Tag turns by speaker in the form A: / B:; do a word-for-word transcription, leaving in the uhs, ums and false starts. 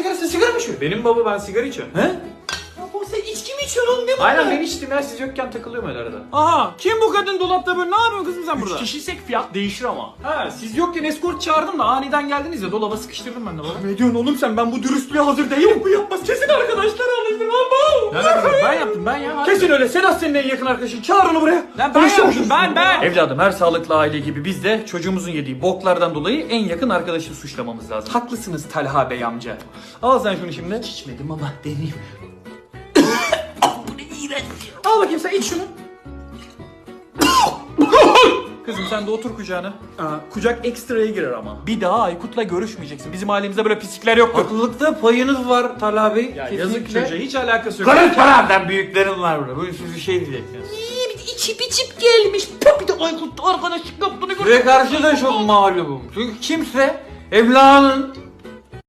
A: sigara, sen sigara mı içiyorsun?
B: Benim baba, ben sigara içiyorum.
A: He? Ya baba sen içki mi içiyorsun oğlum, ne bu?
B: Aynen, ben içtim ya, siz yokken takılıyorum öyle arada.
A: Aha, kim bu kadın dolapta böyle, ne yapıyorsun kızım sen burada?
B: Üç kişiysek fiyat değişir ama.
A: Ha, siz yokken eskort çağırdım da aniden geldiniz ya, dolaba sıkıştırdım ben de baba. Ne diyorsun oğlum sen, ben bu dürüstlüğe hazır değilim. Bu yapmaz, kesin arkadaşlar anlaştır lan bu.
B: Ne demek, ben yaptım ben ya.
A: Kesin öyle, Sedat senin en yakın arkadaşın, çağır onu buraya.
B: Lan ben yaptım, ben ben. Evladım, her sağlıklı aile gibi biz de çocuğumuzun yediği boklardan dolayı en yakın arkadaşı suçlamamız lazım.
A: Haklısınız Talha Bey amca.
B: Al sen şunu şimdi.
A: İçmedim ama deneyeyim. Bu ne iğrenç. Al bakayım sen, iç şunu.
B: Kızım sen de otur kucağına.
A: Aa, kucak ekstraya girer ama. Bir daha Aykut'la görüşmeyeceksin. Bizim ailemizde böyle pislikler yoktur.
B: Haklılıkta payınız var Talha Bey.
A: Ya
B: Kesinlikle.
A: yazık çocuğa, hiç alakası yok.
B: Karın taraftan büyüklerim var burada. Bugün siz bir şey diyeceksiniz.
A: Bir de içip içip gelmiş. Bir de Aykut'la arkadaşlık yaptığını gördüm.
B: Size karşı da çok mağlubum. Çünkü kimse evladının